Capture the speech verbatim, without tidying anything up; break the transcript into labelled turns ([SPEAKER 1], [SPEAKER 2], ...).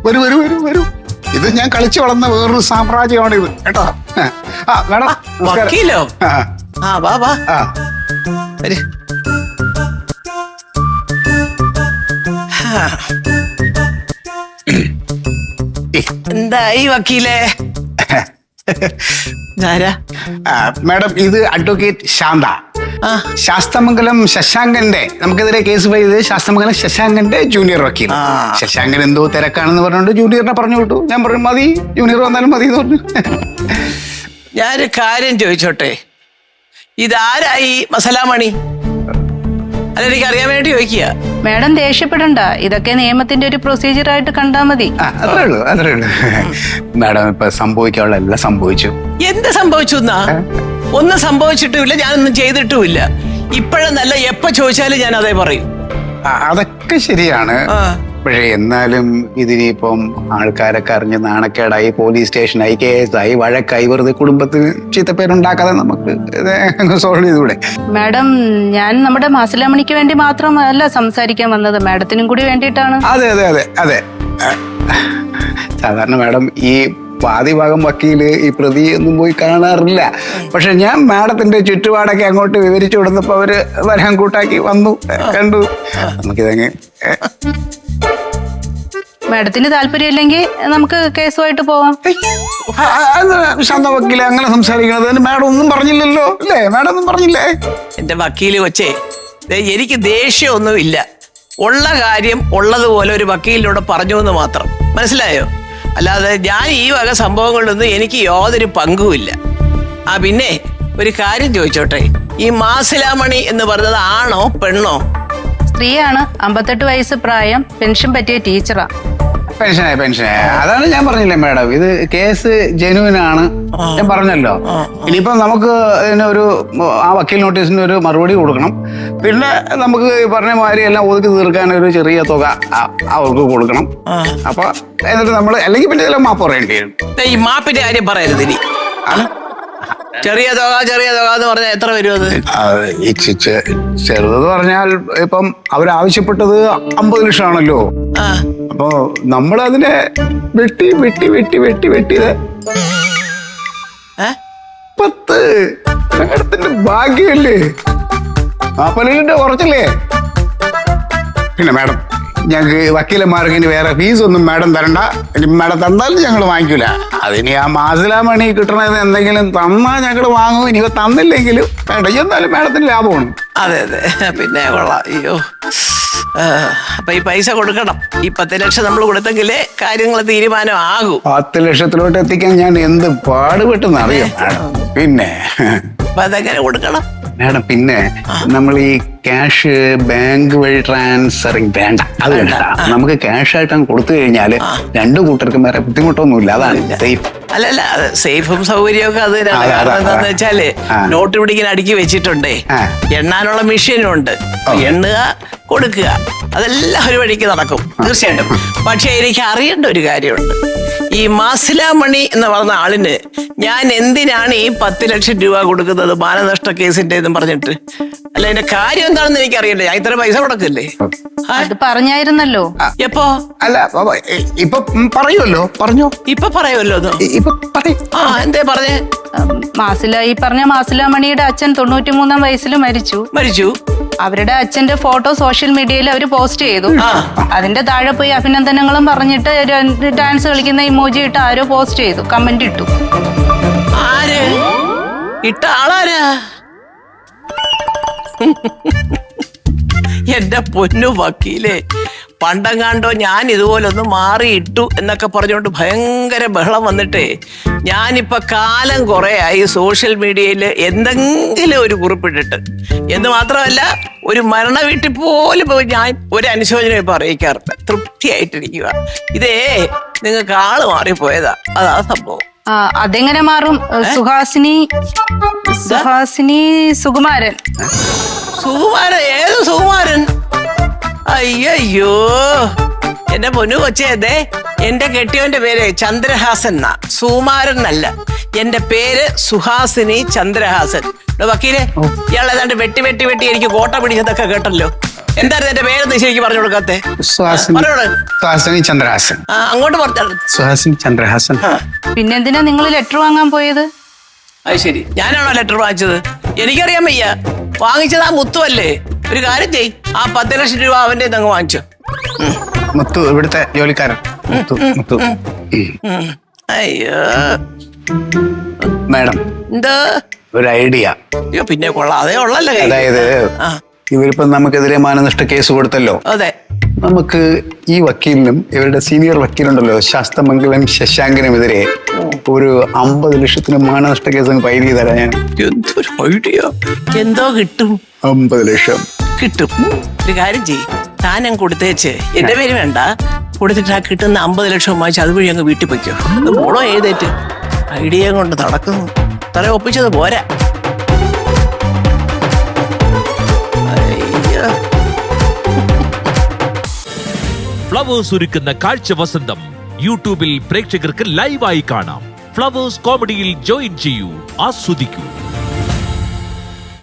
[SPEAKER 1] വരൂ വരൂ വരൂ വരൂ. ഇത് ഞാൻ കളിച്ചു വളർന്ന വേറൊരു സാമ്രാജ്യമാണ് ഇത് കേട്ടോ. ആ മേഡം
[SPEAKER 2] വക്കീലോ? ആ വാ വാ. വരൂ. എന്തായി വക്കീലേ?
[SPEAKER 1] മാഡം ഇത് അഡ്വക്കേറ്റ് ശാന്ത. ശാസ്തമംഗലം ശശാങ്കന്റെ നമുക്കെതിരെ കേസ് ഫയൽ ചെയ്ത് ശാസ്തമംഗലം ശശാങ്കന്റെ ജൂനിയർ വക്കീൽ. ശശാങ്കൻ എന്തോ തിരക്കാണെന്ന് പറഞ്ഞുകൊണ്ട് ജൂനിയറിനെ പറഞ്ഞു വിട്ടു. ഞാൻ പറഞ്ഞു മതി, ജൂനിയർ വന്നാലും മതി എന്ന് പറഞ്ഞു.
[SPEAKER 2] ഞാനൊരു കാര്യം ചോദിച്ചോട്ടെ, ഇതാരായി മസലാമണി? അല്ല, എനിക്ക് അറിയാൻ വേണ്ടി ചോദിക്കുക.
[SPEAKER 3] മാഡം ദേഷ്യപ്പെടണ്ട, ഇതൊക്കെ നിയമത്തിന്റെ ഒരു പ്രൊസീജിയർ ആയിട്ട് കണ്ടാ മതി.
[SPEAKER 1] അത്രേ ഉള്ളൂ അത്രേ ഉള്ളൂ മാഡം. ഇപ്പൊ സംഭവിക്കാനുള്ള എല്ലാം സംഭവിച്ചു.
[SPEAKER 2] എന്ത് സംഭവിച്ചു എന്നാ? ഒന്നും സംഭവിച്ചിട്ടുമില്ല, ഞാനൊന്നും ചെയ്തിട്ടുമില്ല. ഇപ്പോഴെന്നല്ല, എപ്പോ ചോദിച്ചാലും ഞാൻ അതേ പറയും.
[SPEAKER 1] അതൊക്കെ ശരിയാണ്. പക്ഷേ എന്നാലും ഇതിനിപ്പം ആൾക്കാരൊക്കെ അറിഞ്ഞ് നാണക്കേടായി, പോലീസ് സ്റ്റേഷനായി, കേസായി, വഴക്കായി, വെറുതെ കുടുംബത്തിന് ചീത്തപ്പേരുണ്ടാക്കാതെ നമുക്ക് സോൾവ് ചെയ്തൂടെ?
[SPEAKER 3] മാഡം, ഞാൻ നമ്മുടെ മാസലാമണിക്ക് വേണ്ടി മാത്രമല്ല സംസാരിക്കാൻ വന്നത്, മാഡത്തിനും കൂടി വേണ്ടിയിട്ടാണ്.
[SPEAKER 1] അതെ അതെ അതെ അതെ സാധാരണ മാഡം ഈ വാദിഭാഗം വക്കീല് ഈ പ്രതി ഒന്നും പോയി കാണാറില്ല. പക്ഷെ ഞാൻ മാഡത്തിന്റെ ചുറ്റുപാടൊക്കെ അങ്ങോട്ട് വിവരിച്ചു കൊടുത്തപ്പോ അവര് വരാൻ കൂട്ടാക്കി വന്നു, കണ്ടു. നമുക്കിതങ്ങ്
[SPEAKER 3] മാഡത്തിന് താല്പര്യമില്ലെങ്കിൽ നമുക്ക് കേസുമായിട്ട് പോവാം.
[SPEAKER 1] ശാന്ത വക്കീലെ അങ്ങനെ സംസാരിക്കണത്? മാഡം ഒന്നും പറഞ്ഞില്ലല്ലോ അല്ലേ? മാഡം ഒന്നും പറഞ്ഞില്ലേ?
[SPEAKER 2] എന്റെ വക്കീല് കൊച്ചേ, എനിക്ക് ദേഷ്യമൊന്നും ഇല്ല. ഉള്ള കാര്യം ഉള്ളതുപോലെ ഒരു വക്കീലിനോട് പറഞ്ഞു എന്ന് മാത്രം, മനസ്സിലായോ? അല്ലാതെ ഞാൻ ഈ വക സംഭവങ്ങളിലൊന്നും എനിക്ക് യാതൊരു പങ്കുമില്ല. ആ പിന്നെ ഒരു കാര്യം ചോദിച്ചോട്ടെ, ഈ മാസിലാമണി എന്ന് പറഞ്ഞത് ആണോ പെണ്ണോ?
[SPEAKER 3] സ്ത്രീയാണ്, അമ്പത്തെട്ട് വയസ്സ് പ്രായം, പെൻഷൻ പറ്റിയ ടീച്ചറാ.
[SPEAKER 1] പെൻഷനായി പെൻഷനായി അതാണ് ഞാൻ പറഞ്ഞില്ലേ മാഡം, ഇത് കേസ് ജെനുവിൻ ആണ്, ഞാൻ പറഞ്ഞല്ലോ. ഇനിയിപ്പം നമുക്ക് ഇതിനൊരു ആ വക്കീൽ നോട്ടീസിന് ഒരു മറുപടി കൊടുക്കണം. പിന്നെ നമുക്ക് ഈ പറഞ്ഞ മാതിരി എല്ലാം ഒതുക്കി തീർക്കാൻ ഒരു ചെറിയ തുക അവർക്ക് കൊടുക്കണം. അപ്പൊ എന്നിട്ട് നമ്മൾ അല്ലെങ്കിൽ പിന്നെ ഇതിലെ മാപ്പ് പറയേണ്ടി വരും.
[SPEAKER 2] ഈ മാപ്പിന്റെ കാര്യം പറയരുത് ഇനി. ചെറിയ തുക ചെറിയ തുക എന്ന് പറഞ്ഞാൽ എത്ര വരും അത്?
[SPEAKER 1] ചെറുതെന്ന് പറഞ്ഞാൽ ഇപ്പം അവരാവശ്യപ്പെട്ടത് അമ്പത് ലക്ഷം ആണല്ലോ. അപ്പൊ നമ്മളതിനെ വെട്ടി വെട്ടി വെട്ടി വെട്ടി വെട്ടിയത് പത്ത്. മാഡത്തിന്റെ ഭാഗ്യല്ലേ, നാപ്പതിന്റെ കുറച്ചല്ലേ? പിന്നെ മാഡം, ഞങ്ങൾക്ക് വക്കീലന്മാർക്ക് ഇനി വേറെ ഫീസ് ഒന്നും മാഡം തരണ്ട. ഇനി മാഡം തന്നാലും ഞങ്ങൾ വാങ്ങിക്കൂല. അതിനി ആ മാസിലാമണി കിട്ടണത് എന്തെങ്കിലും തന്നാൽ ഞങ്ങൾ വാങ്ങും. ഇനി തന്നില്ലെങ്കിലും വേണ്ട, എന്നാലും മാഡത്തിന് ലാഭമാണ്.
[SPEAKER 2] അതെ അതെ, പിന്നെ കൊള്ളാം. അയ്യോ, അപ്പൊ ഈ പൈസ കൊടുക്കണം. ഈ പത്ത് ലക്ഷം നമ്മൾ കൊടുത്തെങ്കിലേ കാര്യങ്ങൾ തീരുമാനം ആകൂ.
[SPEAKER 1] പത്ത് ലക്ഷത്തിലോട്ട് എത്തിക്കാൻ ഞാൻ എന്ത് പാടുപെട്ടെന്ന് അറിയാം. പിന്നെ
[SPEAKER 2] അപ്പൊ അതെങ്ങനെ കൊടുക്കണം
[SPEAKER 1] മാഡം? പിന്നെ നമ്മൾ ഈ ക്യാഷ് ബാങ്ക് വഴി ട്രാൻസ്ഫറിങ് വേണ്ട, അത് വേണ്ട. നമുക്ക് ക്യാഷ് ആയിട്ട് കൊടുത്തു കഴിഞ്ഞാല് രണ്ടു കൂട്ടർക്കും വേറെ ബുദ്ധിമുട്ടൊന്നുമില്ല. അതാണ് സേഫ്.
[SPEAKER 2] അല്ലല്ല, സേഫും സൗകര്യവും ഒക്കെ അത് എന്താന്ന് വെച്ചാല് നോട്ട് പിടിക്കാൻ അടുക്കി വെച്ചിട്ടുണ്ടേ, എണ്ണാനുള്ള മെഷീനും ഉണ്ട്. എണ്ണുക, കൊടുക്കുക, അതെല്ലാം ഒരു വഴിക്ക് നടക്കും തീർച്ചയായിട്ടും. പക്ഷെ എനിക്ക് അറിയേണ്ട ഒരു കാര്യമുണ്ട്. ഈ മാസിലാമണി എന്ന് പറഞ്ഞ ആളിന് ഞാൻ എന്തിനാണ് ഈ പത്ത് ലക്ഷം രൂപ കൊടുക്കുന്നത് മാനനഷ്ട കേസിന്റെ എന്നും പറഞ്ഞിട്ട്? അല്ല, എന്റെ കാര്യം എന്താണെന്ന് എനിക്ക് അറിയണ്ടേ? ഞാൻ ഇത്ര പൈസ കൊടുക്കല്ലേ?
[SPEAKER 3] അത് പറഞ്ഞായിരുന്നല്ലോ.
[SPEAKER 2] എപ്പോ?
[SPEAKER 1] അല്ല, ഇപ്പൊ പറയുമല്ലോ. പറഞ്ഞോ,
[SPEAKER 2] ഇപ്പൊ പറയുമല്ലോ. ആ, എന്തേ പറഞ്ഞേ?
[SPEAKER 3] മാസില ഈ പറഞ്ഞ മാസിലാമണിയുടെ അച്ഛൻ തൊണ്ണൂറ്റി മൂന്നാം വയസ്സിൽ മരിച്ചു
[SPEAKER 2] മരിച്ചു
[SPEAKER 3] അവരുടെ അച്ഛന്റെ ഫോട്ടോ സോഷ്യൽ മീഡിയയിൽ അവർ പോസ്റ്റ് ചെയ്തു. അതിന്റെ താഴെ പോയി അഭിനന്ദനങ്ങളും പറഞ്ഞിട്ട് ഡാൻസ് കളിക്കുന്ന ഇമോജി ഇട്ട് ആരോ പോസ്റ്റ് ചെയ്തു, കമന്റ് ഇട്ടു.
[SPEAKER 2] ആര് ഇട്ട ആളാരാ? എന്റെ പൊന്നു വക്കീലേ, പണ്ടങ്ങാണ്ടോ ഞാൻ ഇതുപോലൊന്ന് മാറിയിട്ടു എന്നൊക്കെ പറഞ്ഞുകൊണ്ട് ഭയങ്കര ബഹളം വന്നിട്ടേ, ഞാനിപ്പോ കാലം കുറെ ആയി സോഷ്യൽ മീഡിയയിൽ എന്തെങ്കിലും ഒരു കുറിപ്പിട്ടിട്ട്. എന്ന് മാത്രമല്ല, ഒരു മരണ വീട്ടിൽ പോലും പോയി ഞാൻ ഒരു അനുശോചനം ഇപ്പൊ അറിയിക്കാറില്ല. തൃപ്തിയായിട്ടിരിക്കുക. ഇതേ നിങ്ങൾക്ക് ആള് മാറിപ്പോയതാ, അതാ സംഭവം.
[SPEAKER 3] ആ, അതെങ്ങനെ മാറും? സുഹാസിനി സുഹാസിനി സുകുമാരൻ.
[SPEAKER 2] സുകുമാരൻ? ഏത് സുകുമാരൻ? അയ്യോ, എന്റെ പൊന്നു കൊച്ചേ, അതെ എന്റെ കെട്ടിയോന്റെ പേര് ചന്ദ്രഹാസൻ എന്നാ, സുകുമാരൻ അല്ല. എന്റെ പേര് സുഹാസിനി ചന്ദ്രഹാസൻ. വക്കീലെ, ഇയാൾ ഏതാണ്ട് വെട്ടി വെട്ടി വെട്ടി എനിക്ക് കോട്ട പിടിച്ചതൊക്കെ കേട്ടല്ലോ. എന്തായിരുന്നു എന്റെ പേരെന്ന് ശരിക്കും പറഞ്ഞു കൊടുക്കാത്തെ?
[SPEAKER 1] സുഹാസിനി
[SPEAKER 2] പറഞ്ഞോട്.
[SPEAKER 1] സുഹാസിനി ചന്ദ്രഹാസൻ.
[SPEAKER 2] ആ, അങ്ങോട്ട് പറഞ്ഞു.
[SPEAKER 1] സുഹാസിനി ചന്ദ്രഹാസൻ.
[SPEAKER 3] പിന്നെന്തിനാ നിങ്ങൾ ലെറ്റർ വാങ്ങാൻ പോയത്?
[SPEAKER 2] അത് ശരി, ഞാനാണോ ലെറ്റർ വാങ്ങിച്ചത്? എനിക്കറിയാൻ വയ്യ. വാങ്ങിച്ചത് ആ മുത്തു അല്ലേ? ഒരു കാര്യം ചെയ്, ആ പത്ത് ലക്ഷം രൂപ അവന്റെ അങ്ങ് വാങ്ങിച്ചു.
[SPEAKER 1] മുത്തു ഇവിടുത്തെ ജോലിക്കാരൻ. മുത്തു മുത്തു
[SPEAKER 2] ഉം. അയ്യോ
[SPEAKER 1] മാഡം,
[SPEAKER 2] എന്താ
[SPEAKER 1] ഒരു ഐഡിയ.
[SPEAKER 2] അയ്യോ പിന്നെ കൊള്ളാം, അതേ ഉള്ളല്ലേ.
[SPEAKER 1] അതായത്
[SPEAKER 2] ആ
[SPEAKER 1] ഇവരിപ്പം നമുക്കെതിരെ മാനനഷ്ട കേസ് കൊടുത്തല്ലോ.
[SPEAKER 2] അതെ.
[SPEAKER 1] നമുക്ക് ഈ വക്കീലിനും ഇവരുടെ സീനിയർ വക്കീലുണ്ടല്ലോ ശാസ്തമംഗലം ശശാങ്കനുമെതിരെ ഒരു അമ്പത് ലക്ഷത്തിന് മാനനഷ്ട കേസ് അങ്ങ് ഫയൽ ചെയ്തരാ ഞാൻ.
[SPEAKER 2] എന്തൊരു ഐഡിയ. എന്തോ കിട്ടും.
[SPEAKER 1] അമ്പത് ലക്ഷം
[SPEAKER 2] കിട്ടും. ഒരു കാര്യം ചെയ്യ്, താനം കൊടുത്തേച്ച് എന്റെ പേര് വേണ്ട, കൊടുത്തിട്ട് ആ കിട്ടുന്ന അമ്പത് ലക്ഷം വാങ്ങിച്ച് അതുവഴി അങ്ങ് വീട്ടിൽ പൊയ്ക്കോ. ഇത് മോളോ ഏതേറ്റ് ഐഡിയ കൊണ്ട് നടക്കുന്നു. തല ഒപ്പിച്ചത് പോരാ. അയ്യോ.
[SPEAKER 4] ഫ്ലവേഴ്സ് ഒരുക്കുന്ന കാഴ്ച വസന്തം യൂട്യൂബിൽ പ്രേക്ഷകർക്ക് ലൈവായി കാണാം. ഫ്ലവേഴ്സ് കോമഡിയിൽ ജോയിൻ ചെയ്യൂ, ആസ്വദിക്കൂ.